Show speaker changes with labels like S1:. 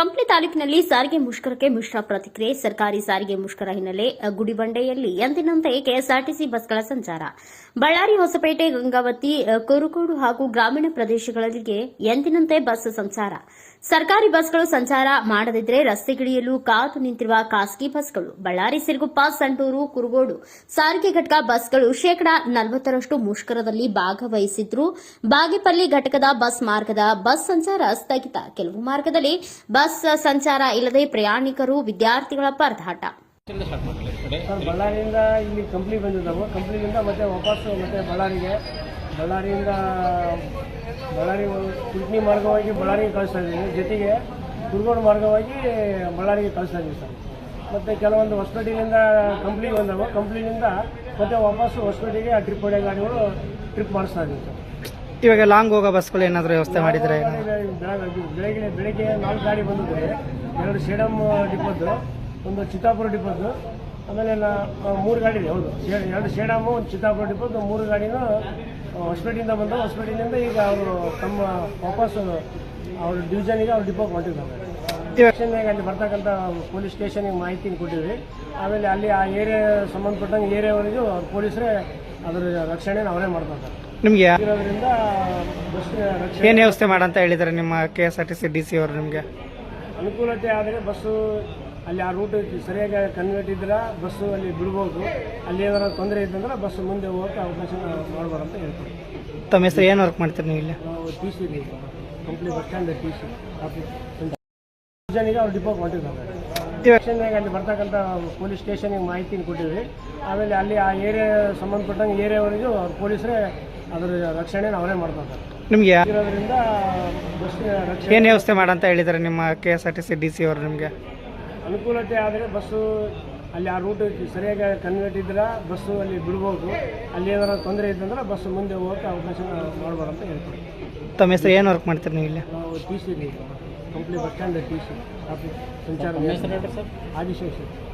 S1: ಕಂಪ್ಲಿ ತಾಲೂಕಿನಲ್ಲಿ ಸಾರಿಗೆ ಮುಷ್ಕರಕ್ಕೆ ಮಿಶ್ರ ಪ್ರತಿಕ್ರಿಯೆ. ಸರ್ಕಾರಿ ಸಾರಿಗೆ ಮುಷ್ಕರ ಹಿನ್ನೆಲೆ ಗುಡಿಬಂಡೆಯಲ್ಲಿ ಎಂದಿನಂತೆ ಕೆಎಸ್ಆರ್ಟಿಸಿ ಬಸ್ಗಳ ಸಂಚಾರ. ಬಳ್ಳಾರಿ, ಹೊಸಪೇಟೆ, ಗಂಗಾವತಿ, ಕುರುಗೋಡು ಹಾಗೂ ಗ್ರಾಮೀಣ ಪ್ರದೇಶಗಳಿಗೆ ಎಂದಿನಂತೆ ಬಸ್ ಸಂಚಾರ. ಸರ್ಕಾರಿ ಬಸ್ಗಳು ಸಂಚಾರ ಮಾಡದಿದ್ದರೆ ರಸ್ತೆಗಿಳಿಯಲು ಕಾದು ನಿಂತಿರುವ ಖಾಸಗಿ ಬಸ್ಗಳು. ಬಳ್ಳಾರಿ, ಸಿರುಗುಪ್ಪ, ಸಂಡೂರು, ಕುರುಗೋಡು ಸಾರಿಗೆ ಘಟಕ ಬಸ್ಗಳು ಶೇಕಡಾ 40ರಷ್ಟು ಮುಷ್ಕರದಲ್ಲಿ ಭಾಗವಹಿಸಿದ್ರು. ಬಾಗೇಪಲ್ಲಿ ಘಟಕದ ಬಸ್ ಮಾರ್ಗದ ಬಸ್ ಸಂಚಾರ ಸ್ಥಗಿತ. ಕೆಲವು ಮಾರ್ಗದಲ್ಲಿ ಬಸ್ ಸಂಚಾರ ಇಲ್ಲದೆ ಪ್ರಯಾಣಿಕರು, ವಿದ್ಯಾರ್ಥಿಗಳ ಪರದಾಟ.
S2: ಬಳ್ಳಾರಿಯಿಂದ ಇಲ್ಲಿ ಕಂಪ್ನಿ ಬಂದಿದ್ದಾವೆ. ಕಂಪ್ನಿಯಿಂದ ಮತ್ತೆ ವಾಪಸ್ ಮತ್ತೆ ಬಳ್ಳಾರಿಯಿಂದ ಬಳ್ಳಾರಿ ಕುಡ್ನಿ ಮಾರ್ಗವಾಗಿ ಬಳ್ಳಾರಿಗೆ ಕಳಿಸ್ತಾ ಇದ್ದೀವಿ. ಜೊತೆಗೆ ಕುರುಗೋಡು ಮಾರ್ಗವಾಗಿ ಬಳ್ಳಾರಿಗೆ ಕಳಿಸ್ತಾ ಇದ್ದೀವಿ ಸರ್. ಮತ್ತು ಕೆಲವೊಂದು ಹೊಸಪೇಟೆಯಿಂದ ಕಂಪ್ನಿಗೆ ಬಂದವು. ಕಂಪ್ನಿಯಿಂದ ಮತ್ತೆ ವಾಪಸ್ ಹೊಸಪೇಟೆಗೆ ಆ ಟ್ರಿಪ್ ಹೊಡೆಯೋ ಗಾಡಿಗಳು ಟ್ರಿಪ್ ಮಾಡಿಸ್ತಾ ಇದ್ದೀವಿ ಸರ್.
S3: ಇವಾಗ ಲಾಂಗ್ ಹೋಗೋ ಬಸ್ಗಳು ಏನಾದರೂ ವ್ಯವಸ್ಥೆ ಮಾಡಿದರೆ?
S2: ಬೆಳಗ್ಗೆ 4 ಗಾಡಿ ಬಂದಿದ್ದಾರೆ. 2 ಸೇಡಮ್ ಡಿಪೋದು, ಒಂದು ಚಿತ್ತಾಪುರ ಡಿಪೋದು, ಆಮೇಲೆ 3 ಗಾಡಿ ಇದೆ. ಹೌದು, 2 ಸೇಡಮು, ಒಂದು ಚಿತ್ತಾಪುರ ಡಿಪೋದು, 3 ಗಾಡಿನೂ ಹೊಸಪೇಟೆಯಿಂದ ಬಂದವು. ಹೊಸಪೇಟೆಯಿಂದ ಈಗ ಅವರು ತಮ್ಮ ವಾಪಸ್ ಅವ್ರ ಡಿವಿಷನಿಗೆ ಅವ್ರು ಡಿಪೋಗೆ ಹೊಂಟಿದ್ದಾರೆ. ಸ್ಟೇಷನ್ಗೆ ಅಲ್ಲಿ ಬರ್ತಕ್ಕಂಥ ಪೊಲೀಸ್ ಸ್ಟೇಷನ್ಗೆ ಮಾಹಿತಿ ಕೊಟ್ಟಿದ್ವಿ. ಆಮೇಲೆ ಅಲ್ಲಿ ಆ ಏರಿಯಾ ಸಂಬಂಧಪಟ್ಟಂಗೆ ಏರಿಯಾವರೆಗೂ ಅವ್ರ ಪೊಲೀಸರೇ ಅದರ ರಕ್ಷಣೆನ ಅವರೇ ಮಾಡ್ತಾರೆ.
S3: ನಿಮಗೆ
S2: ಇರೋದ್ರಿಂದ ಬಸ್
S3: ಏನು ವ್ಯವಸ್ಥೆ ಮಾಡಂತ ಹೇಳಿದ್ದಾರೆ ನಿಮ್ಮ ಕೆಎಸ್ಆರ್ಟಿಸಿ DC ಅವರು? ನಿಮಗೆ
S2: ಅನುಕೂಲತೆ ಆದರೆ ಬಸ್ಸು ಅಲ್ಲಿ ಆ ರೂಟ್ ಸರಿಯಾಗಿ ಕನ್ವರ್ಟ್ ಇದ್ರೆ ಬಸ್ಸು ಅಲ್ಲಿ ಬಿಡ್ಬೋದು. ಅಲ್ಲಿ ಏನಾದ್ರು ತೊಂದರೆ ಇದ್ದಂದ್ರೆ ಬಸ್ ಮುಂದೆ ಹೋಗೋಕ್ಕೆ ಅವಕಾಶ ಮಾಡಬಾರ್ದು ಅಂತ ಹೇಳ್ತೀವಿ.
S3: ತಮ್ಮ ಹೆಸರು ಏನು ವರ್ಕ್ ಮಾಡ್ತೀರಿ ನೀವು ಇಲ್ಲಿ?
S2: ನಾವು TC company bus stand TC office ಜನರಿಗೆ ಅವ್ರು ಡಿಪೋಗೆ ಹೊಂಟಿದ್ದಾರೆ. ಸ್ಟೇಷನ್ಗೆ ಅಲ್ಲಿ ಬರ್ತಕ್ಕಂಥ ಪೊಲೀಸ್ ಸ್ಟೇಷನ್ಗೆ ಮಾಹಿತಿ ಕೊಟ್ಟಿದ್ವಿ. ಆಮೇಲೆ ಅಲ್ಲಿ ಆ ಏರಿಯಾ ಸಂಬಂಧಪಟ್ಟಂಗೆ ಏರಿಯಾವರೆಗೂ ಅವ್ರ ಪೊಲೀಸರೇ ಅದರ ರಕ್ಷಣೆನ ಅವರೇ ಮಾಡ್ತಾರೆ.
S3: ನಿಮಗೆ
S2: ಇರೋದ್ರಿಂದ ಬಸ್
S3: ಏನು ವ್ಯವಸ್ಥೆ ಮಾಡಂತ ಹೇಳಿದ್ದಾರೆ ನಿಮ್ಮ ಕೆಎಸ್ಆರ್ಟಿಸಿ DC ಅವರು? ನಿಮಗೆ
S2: ಅನುಕೂಲತೆ ಆದರೆ ಬಸ್ಸು ಅಲ್ಲಿ ಆ ರೂಟ್ ಸರಿಯಾಗಿ ಕನ್ವರ್ಟ್ ಇದ್ರೆ ಬಸ್ಸು ಅಲ್ಲಿ ಬಿಡ್ಬೋದು. ಅಲ್ಲಿ ಏನಾದ್ರು ತೊಂದರೆ ಇದ್ದಂದ್ರೆ ಬಸ್ಸು ಮುಂದೆ ಹೋಗೋಕ್ಕೆ ಅವಕಾಶ ಮಾಡಬಾರ್ದು ಅಂತ ಹೇಳ್ತೀವಿ.
S3: ತಮ್ಮ ಹೆಸರು ಏನು ವರ್ಕ್ ಮಾಡ್ತೀರಿ ನೀವು ಇಲ್ಲಿ?
S2: ನಾವು TC company bus stand TC office ಸಂಚಾರ ಆದಿಶೇಷ.